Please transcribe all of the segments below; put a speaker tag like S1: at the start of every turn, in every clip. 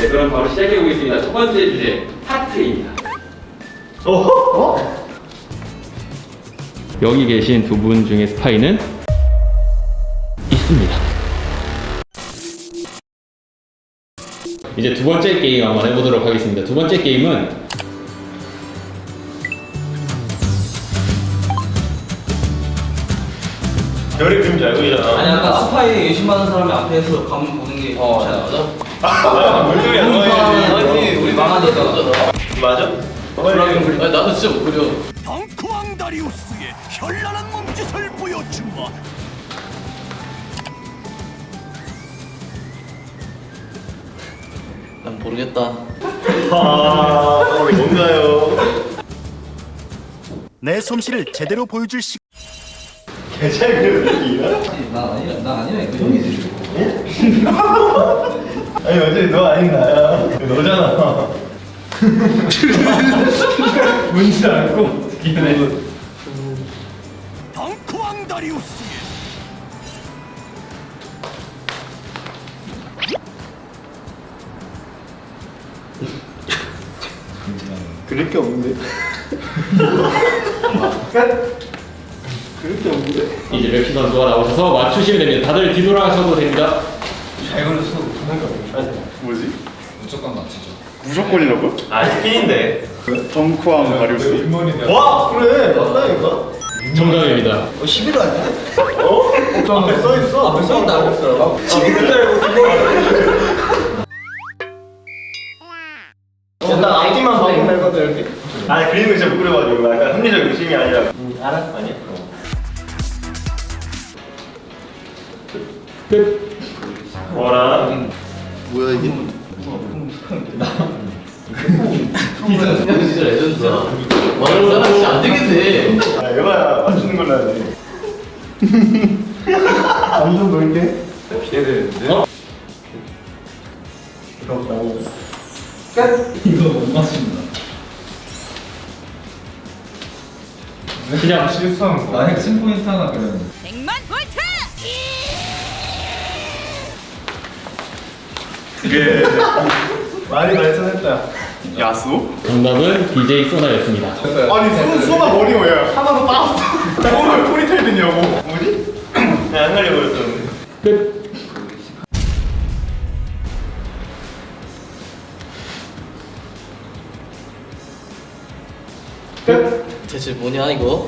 S1: 네, 그럼 바로 시작해 보겠습니다. 첫 번째 주제 하트입니다. 여기 계신 두 분 중에 스파이는 있습니다. 이제 두 번째 게임 한번 해보도록 하겠습니다. 두 번째 게임은
S2: 별의 그림자 알고 있잖아.
S3: 아니 아까 스파이 의심받는 사람이 앞에서 가면 보는 게 좋지 않아?
S2: 뭔 소리야?
S3: 아니 우리 망하니까.
S2: 맞아?
S3: 아니 나도 진짜 못 그려.
S4: 덩크왕 다리우스의 현란한 몸짓을 보여주마.
S3: 난 모르겠다.
S2: 이게 뭔가요?
S4: 내 솜씨를 제대로 보여줄 시.
S2: 개잘 그려드리기가?
S3: 나 아니야 그 형이지.
S2: 아니 어차피 너 아닌 나야. 너잖아. 뭔지 알고 듣기는 해.
S4: 덩크왕 다리우스의
S2: 그럴 게 없는데. 그럴 게 없는데.
S1: 이제 맵시 선수가 나오셔서 맞추시면 됩니다. 다들 뒤돌아가셔도 됩니다.
S2: 잘 그렸어. 뭐지?
S5: 무조건 맞히죠.
S2: 무조건이라고? 아 스킨인데. 덩크왕 다리우스. 와 그래 맞다니까.
S1: 정답입니다.
S3: 11호 아니야?
S2: 앞에 써있어.
S3: 앞에 써있다 안 했어.
S2: 11호짜리 난 앞뒤만 봐도 되거든 이렇게. 아니 그림을 진짜 못 그려가지고 약간 합리적 의심이 아니라. 알았어 아니야?
S1: 끝.
S2: 뭐라?
S3: 뭐야 이게? 진짜 레전드다. 와 이거 사람 진짜 안 되겠네.
S2: 아 에바야 맞추는 걸로 해야 돼. 완전 넓게. 기대되는데?
S5: 이거 못 맞춘다.
S1: 시작.
S2: 실수한 거.
S5: 나 핵심 포인트 하나 그렸는데.
S6: 100만 볼트!
S2: 이게 많이 발전했다. 야수?
S1: 정답은 BJ 소나였습니다.
S2: 아니 소나 머리 왜 하나도 빠졌어. 오늘 포니테일 됐냐고. 뭐지? 그냥 안 갈려버렸었는데.
S1: 끝.
S3: 대체 뭐냐 이거?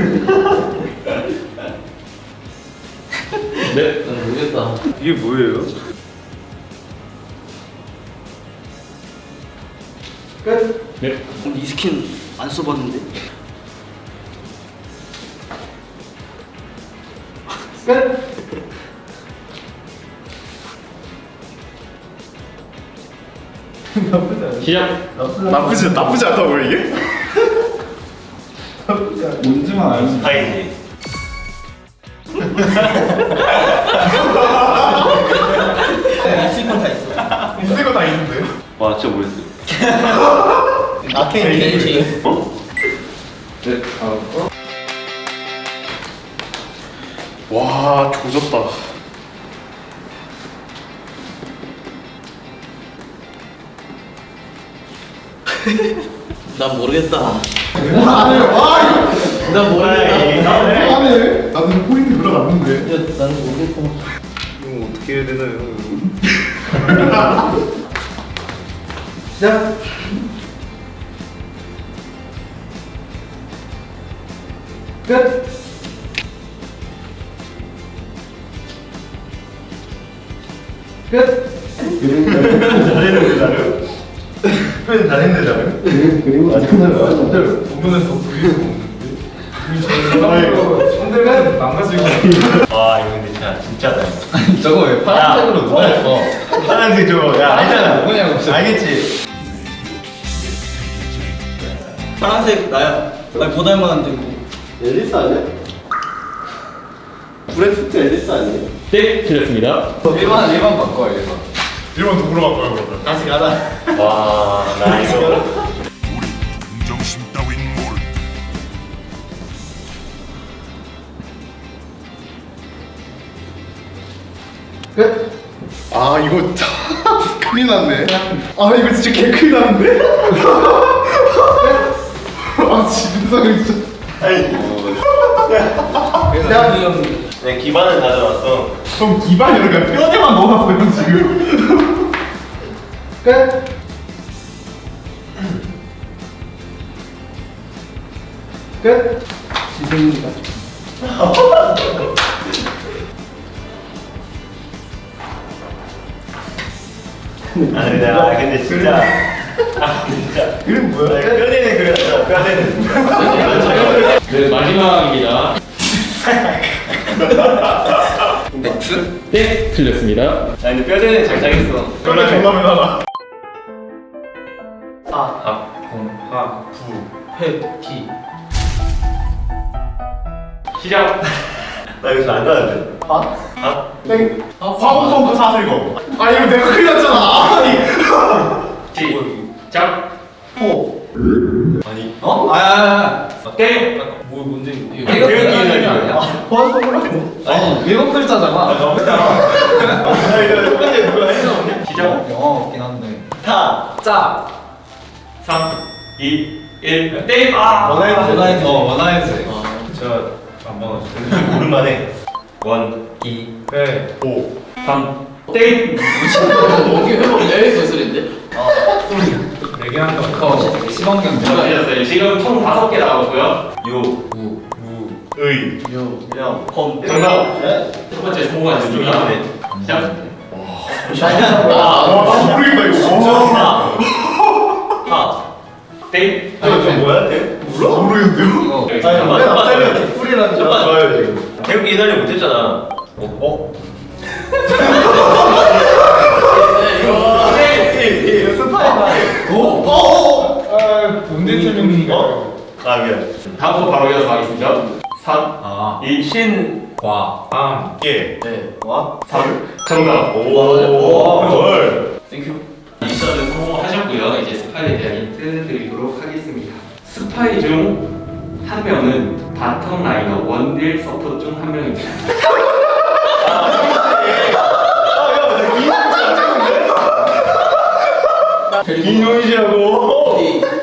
S1: 네.
S3: 난 모르겠다.
S2: 이게 뭐예요?
S1: 네.
S3: 이 스킨 안 써봤는데?
S1: 시작.
S2: 나쁘지 않다고 이게?
S5: 뭔지만 알면
S2: 다행이지.
S3: 있을 건다 있어.
S2: 있는 거 다 있는데. 와 진짜 뭐였어?
S3: 아케인 겐지.
S2: 어?
S5: 네, 다음 거.
S2: 와 조졌다.
S3: 난 모르겠다.
S2: 난
S3: 난 모르겠다.
S2: 안해. 나는 포인트 들어갔는데.
S3: 야, 나는 모르겠다.
S2: 이거 어떻게 해야 되나요?
S3: 시작. 끝. 끝.
S2: 잘했는데 나를? 표현 잘했는데 나를? 그리고 아직 끝나요.
S5: 부분은 더 그릴 수 없는데. 상대방 망가지고.
S2: 와 이거 근데 진짜다.
S5: 저거 왜 파란색으로 누가 했어?
S2: 파란색 저거 야 알잖아.
S5: 누구냐고.
S2: 알겠지?
S3: 파란색 나야. 아니 보다 만한데 뭐.
S2: 앨리스 아니야? 브레스트 앨리스 아니야?
S1: 네, 틀렸습니다.
S5: 1번 바꿔 1번.
S2: 1번 더 물어볼 거야 그러면. 다시 가자. 와나 이거.
S4: 정심 따윈 모르.
S2: 아 이거 큰일 났네. 아 이거 진짜 개 큰일 났는데? 아 진상이 진짜.
S3: 야, 형.
S6: 내 기반을 가져왔어.
S2: 좀 기반이 이렇게 뼈대만 넣어놨어 형 지금. 끝. 끝.
S3: 지승이가.
S6: 근데 진짜. 진짜.
S2: 이름 뭐야?
S6: 뼈대는 그렸어. 뼈대는.
S1: 네, 마지막입니다.
S3: 맥스?
S1: 네, 틀렸습니다.
S6: 근데 뼈대는 잘 짜겠어.
S2: 뼈대 존나 매달아.
S3: 회기.
S1: 시작.
S6: 나 이거 잘안 가는데.
S2: 땡. 화공pom프 사슬거. 아 이거 내가 큰일 났잖아. 아니.
S1: 시작.
S3: 호.
S6: 아니.
S3: 어? 아야야야.
S1: 게임.
S3: 뭐 뭔데 이거?
S6: 이거 기억이
S3: 아니야?
S2: 화공pom프.
S3: 아니 일곱 글자잖아.
S6: 나 이거 첫 번째 누가 했어?
S1: 시작.
S3: 영어 없긴 한데.
S6: 타.
S3: 짜.
S1: 3, 2, 1, 땡! 아!
S3: 원하이드.
S5: 원하이즈.
S3: 저안 먹었어.
S6: 오랜만에.
S1: 원,
S3: 2.
S5: 네.
S1: 3, 땡!
S3: 여기 회복내 거슬인데?
S5: 얘기한다.
S3: 시범경.
S1: 잘하셨어요. 지금 총 5개 나왔고요.
S6: 요.
S2: 의.
S6: 그냥 컴.
S1: 정답! 첫 번째 성공하셨습니다. 시작.
S2: 아 모르겠다 이거.
S6: 타.
S1: 땡!
S6: 이거 뭐야? 대?
S2: 몰라? 모르겠는데요?
S3: 이거.
S6: 아니,
S2: 맨 앞자리가 개뿔이라는 줄 알았어.
S6: 좋아요 지금. 태국이 이달리 못했잖아.
S5: 문제점이
S6: 아 미안.
S1: 다음부터 바로 이어서 가겠습니다. 3,
S5: 아.
S1: 2, 신,
S5: 과. 암.
S6: 예.
S3: 네.
S6: 와.
S1: 3. 정답!
S6: 오. 헐.
S3: 땡큐.
S1: 미션을 성공하셨고요. 이제 스파이에 대한 힌트 드리도록 하겠습니다. 스파이 중 한 명은 바텀 라이너 원딜 서포 중 한 명입니다.
S6: 이놈이시라고.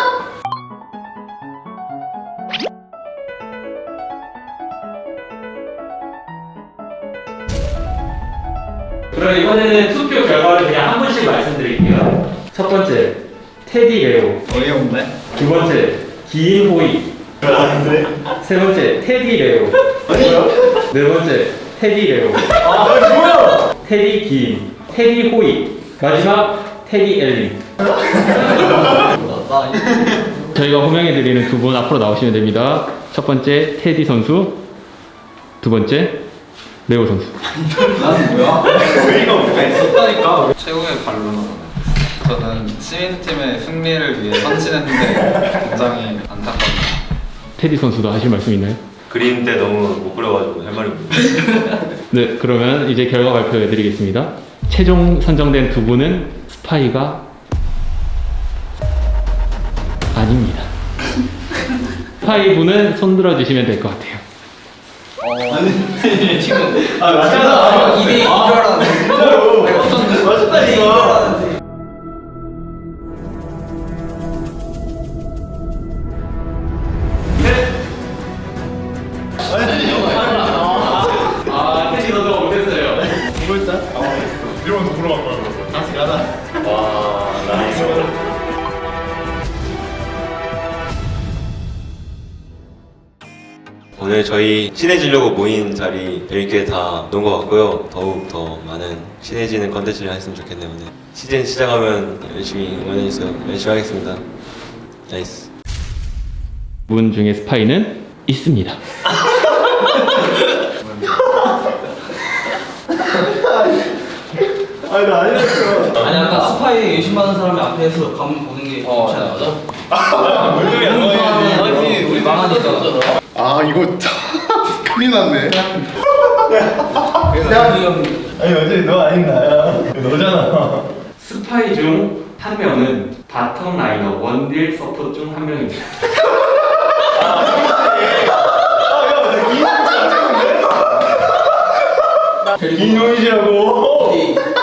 S1: 그럼 이번에는 투표 결과를 그냥 한 분씩 말씀드릴게요. 첫 번째, 테디 레오.
S3: 어이없네.
S1: 두 번째, 기인 호이.
S6: 아닌데.
S1: 세 번째, 테디 레오. 네 번째, 테디 레오.
S6: 뭐야?
S1: 테디 기인. 테디 호이. 마지막, 테디 엘린. 저희가 호명해드리는 두 분 앞으로 나오시면 됩니다. 첫 번째, 테디 선수. 두 번째, 레오 선수.
S3: 나는 뭐야?
S6: 의의가 없네.
S3: 있었다니까. 최고의 반론은 저는 시민팀의 승리를 위해 헌신했는데 굉장히 안타깝네요.
S1: 테디 선수도 하실 말씀 있나요?
S6: 그림 때 너무 못 그려가지고 할 말이 없네.
S1: 네, 그러면 이제 결과 발표해드리겠습니다. 최종 선정된 두 분은 스파이가 아닙니다. 스파이 분은 손들어 주시면 될 것 같아요.
S3: 지금
S6: 아 맞잖아.
S3: 2대 2줄 알았는데.
S6: 진짜로. 맞췄다니까.
S1: 아, 테디 선수가 못했어요.
S2: 이러면서 물어볼 거야 그래서.
S6: 다시 가자. 와 나이스. 오늘 저희 친해지려고 모인 자리 재밌게 다 논 것 같고요. 더욱 더 많은 친해지는 컨텐츠를 했으면 좋겠네요. 오늘 시즌 시작하면 열심히 응원해주세요. 열심히 하겠습니다. 나이스.
S1: 분 중에 스파이는 있습니다.
S6: 아니 나 아니었어.
S3: 아니 아까 스파이 의심받는 사람이 앞에서 가면 보는 게 좋지 않아?
S6: 뭔 소리야?
S3: 아니 우리 망하니까.
S2: 아 이거 큰일 났네.
S3: 야, 이 형.
S6: 아니 어차피 너 아닌 나야. 너잖아.
S1: 스파이 중 한 명은 바텀 라이너 원딜 서포 중 한 명입니다.
S6: 이놈이시라고.